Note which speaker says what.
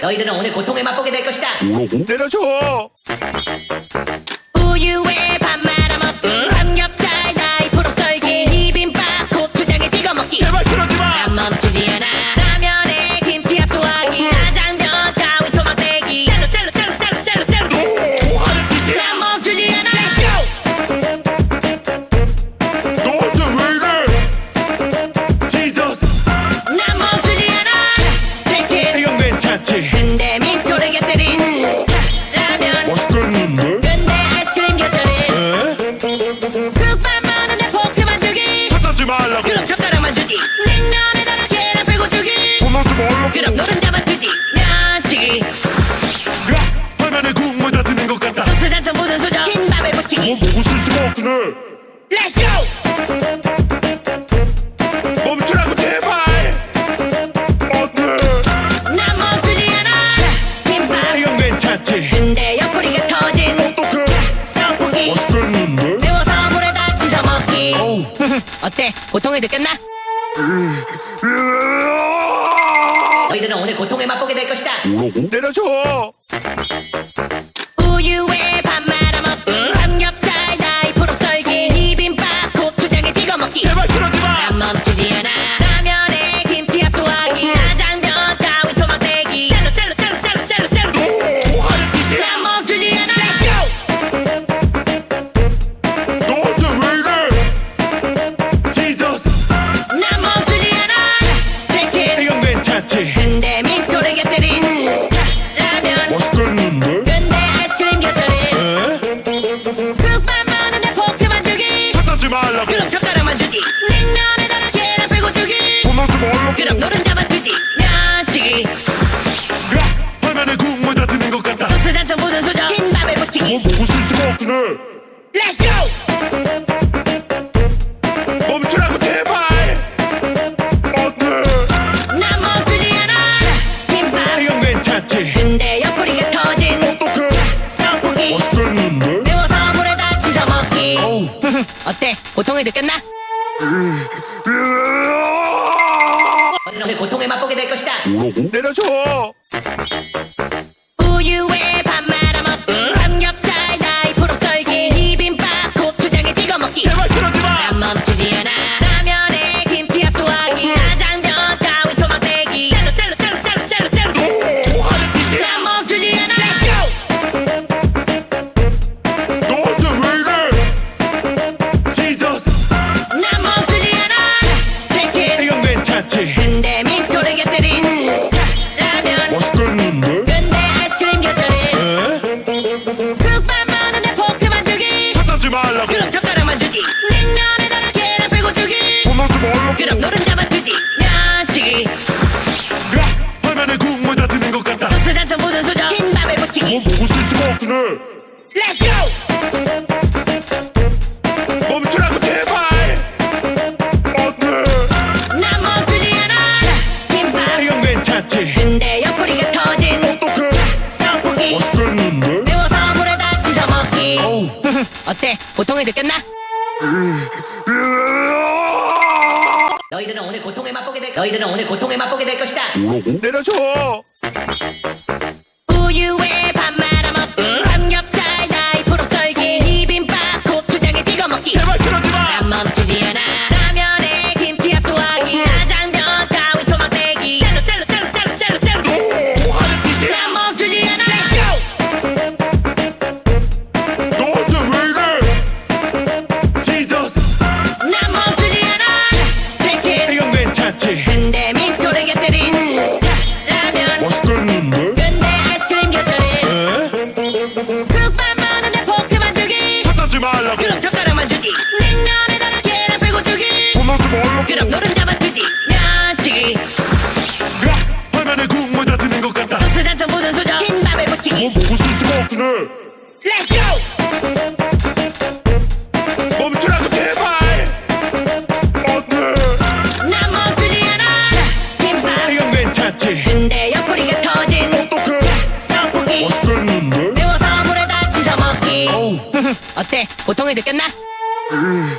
Speaker 1: 너희들은 오늘 고통을 맛보게 될 것이다.
Speaker 2: 뭐라고?
Speaker 3: 내려줘.
Speaker 1: 우유에 밥 말아 먹기, 삼겹살 나이프로 썰기, 비빔밥 고추장에 찍어 먹기.
Speaker 3: 제발 그러지 마.
Speaker 1: 난 멈추지 않아. 라면에 김치 합수하기, 짜장면 가위 토막 대기. 짤로.
Speaker 3: 하는 짓이야.
Speaker 1: 난 멈추지 않아.
Speaker 3: 너한테 왜 이래? 지저스.
Speaker 1: 난 멈추지 않아. 치킨.
Speaker 3: 이건 괜찮지.
Speaker 1: 근데 민초를 곁들인 라면.
Speaker 3: 맛있겠는데?
Speaker 1: 근데 아이스크림 곁들인 국밥 많은데 포크 만들기.
Speaker 3: 찾지 말라고.
Speaker 1: 그럼 젓가락만 주지. 냉면에다가 계란 풀고 주기.
Speaker 3: 손하지 말라고.
Speaker 1: 그럼 노른자만 주지. 면치기.
Speaker 3: 야, 화면에 국물 다 드는 것 같다.
Speaker 1: 소스 잔뜩 묻은 수저 김밥에
Speaker 3: 뭐
Speaker 1: 묻히기.
Speaker 3: 먹을 수가 없긴 해.
Speaker 1: Let's go.
Speaker 3: 멈추라고 제발. 안돼.
Speaker 1: 난 멈추지 않아. 김밥.
Speaker 3: 이건 괜찮지.
Speaker 1: 근데 옆구리가 터진
Speaker 3: 어떡해?
Speaker 1: 떡볶이.
Speaker 3: 맛있겠는데?
Speaker 1: 매워서 물에다 씻어 먹기. 어때? 고통을 느꼈나? 너희들은 오늘 고통을 맛보게 될 것이다.
Speaker 2: 뭐라고?
Speaker 3: 내려줘.
Speaker 1: 우유에 밥 말아 먹기, 삼겹살 나이프로 썰기, 비빔밥 고추장에 찍어 먹기.
Speaker 3: 제발 그러지 마.
Speaker 1: 난 멈추지 않아. 라면에 김치 합수하기, 짜장면 가위 토막 대기. 짤로.
Speaker 3: 뭐 하는 짓이야?
Speaker 1: 난 멈추지 않아.
Speaker 3: 너한테 왜 이래? 지저스.
Speaker 1: 난 멈추지 않아. 치킨.
Speaker 3: 이건 괜찮지.
Speaker 1: 근데 민초를 곁들인 라면.
Speaker 3: 맛있겠는데?
Speaker 1: 근데 아이스크림 곁들인 국밥 많은데 포크 만들기.
Speaker 3: 찾지 말라고.
Speaker 1: 그럼 젓가락만 주지. 냉면에다가 계란 풀고 주기.
Speaker 3: 손하지 말라고.
Speaker 1: 그럼 노른자만 주지. 면치기.
Speaker 3: 야, 화면에 국물 다 드는 것 같다.
Speaker 1: 소스 잔뜩 묻은 수저 김밥에
Speaker 3: 뭐
Speaker 1: 묻히기.
Speaker 3: 먹을 수가 없긴 해.
Speaker 1: Let's go.
Speaker 3: 멈추라고 제발. 안돼.
Speaker 1: 난 멈추지 않아. 김밥.
Speaker 3: 이건 괜찮지.
Speaker 1: 근데 옆구리가 터진
Speaker 3: 어떡해?
Speaker 1: 떡볶이.
Speaker 3: 맛있겠는데?
Speaker 1: 매워서 물에다 씻어 먹기. 어때? 고통을 느꼈나? 너희는 오늘 고통을 맛보게 될 것이다.
Speaker 2: 뭐라고?
Speaker 3: 내려줘.
Speaker 1: 우유에 밥 말아 먹기, 삼겹살 나이프로 썰기, 비빔밥 고추장에 찍어 먹기.
Speaker 3: 제발 그러지 마.
Speaker 1: 난 멈추지 않아. 라면에 김치 합수하기, 짜장면 가위 토막 대기. 짤로.
Speaker 3: 뭐 하는 짓이야?
Speaker 1: 난 멈추지 않아.
Speaker 3: 너한테 왜 이래? 지저스.
Speaker 1: 난 멈추지 않아. 치킨.
Speaker 3: 이건 괜찮지.
Speaker 1: 근데 민초를 곁들인 라면.
Speaker 3: 맛있겠는데?
Speaker 1: 근데 아이스크림 곁들인 국밥 많은데 포크 만들기.
Speaker 3: 찾지 말라고.
Speaker 1: 그럼 젓가락만 주지. 냉면에다가 계란 풀고 주기.
Speaker 3: 손하지 말라고.
Speaker 1: 그럼 노른자만 주지. 면치기.
Speaker 3: 야, 화면에 국물 다 드는 것 같다.
Speaker 1: 소스 잔뜩 묻은 수저 김밥에
Speaker 3: 뭐
Speaker 1: 묻히기.
Speaker 3: 먹을 수가 없긴 해.
Speaker 1: Let's go.
Speaker 3: 멈추라고 제발. 안돼.
Speaker 1: 난 멈추지 않아. 김밥.
Speaker 3: 이건 괜찮지.
Speaker 1: 근데 옆구리가 터진
Speaker 3: 어떡해?
Speaker 1: 떡볶이.
Speaker 3: 맛있겠는데?
Speaker 1: 매워서 물에다 씻어 먹기. 어때? 고통을 느꼈나? 너희들은 오늘 고통을 맛보게 될 것이다.
Speaker 2: 뭐라고?
Speaker 3: 내려줘.
Speaker 1: 우유에 밥 말아 먹기, 삼겹살 나이프로 썰기, 비빔밥 고추장에 찍어 먹기.
Speaker 3: 제발 그러지 마.
Speaker 1: 난 멈추지 않아. 라면에 김치 합수하기, 짜장면 가위 토막 대기. 짤로.
Speaker 3: 뭐 하는 짓이야?
Speaker 1: 난 멈추지 않아.
Speaker 3: 너한테 왜 이래? 지저스.
Speaker 1: 난 멈추지 않아. 치킨.
Speaker 3: 이건 괜찮지.
Speaker 1: 근데 민초를 곁들인 라면.
Speaker 3: 맛있겠는데?
Speaker 1: 근데 아이스크림 곁들인 국밥 많은데 포크 만들기.
Speaker 3: 찾지 말라고.
Speaker 1: 그럼 젓가락만 주지. 냉면에다가 계란 풀고 주기.
Speaker 3: 손하지 말라고.
Speaker 1: 그럼 노른자만 주지. 면치기.
Speaker 3: 야, 화면에 국물 다 드는 것 같다.
Speaker 1: 소스 잔뜩 묻은 수저 김밥에
Speaker 3: 뭐
Speaker 1: 묻히기.
Speaker 3: 먹을 수가 없긴 해.
Speaker 1: Let's go.
Speaker 3: 멈추라고 제발. 안돼.
Speaker 1: 난 멈추지 않아. 김밥.
Speaker 3: 이건 괜찮지.
Speaker 1: 근데 옆구리가 터진
Speaker 3: 어떡해?
Speaker 1: 떡볶이.
Speaker 3: 맛있겠는데?
Speaker 1: 매워서 물에다 씻어 먹기. 어때? 고통을 느꼈나?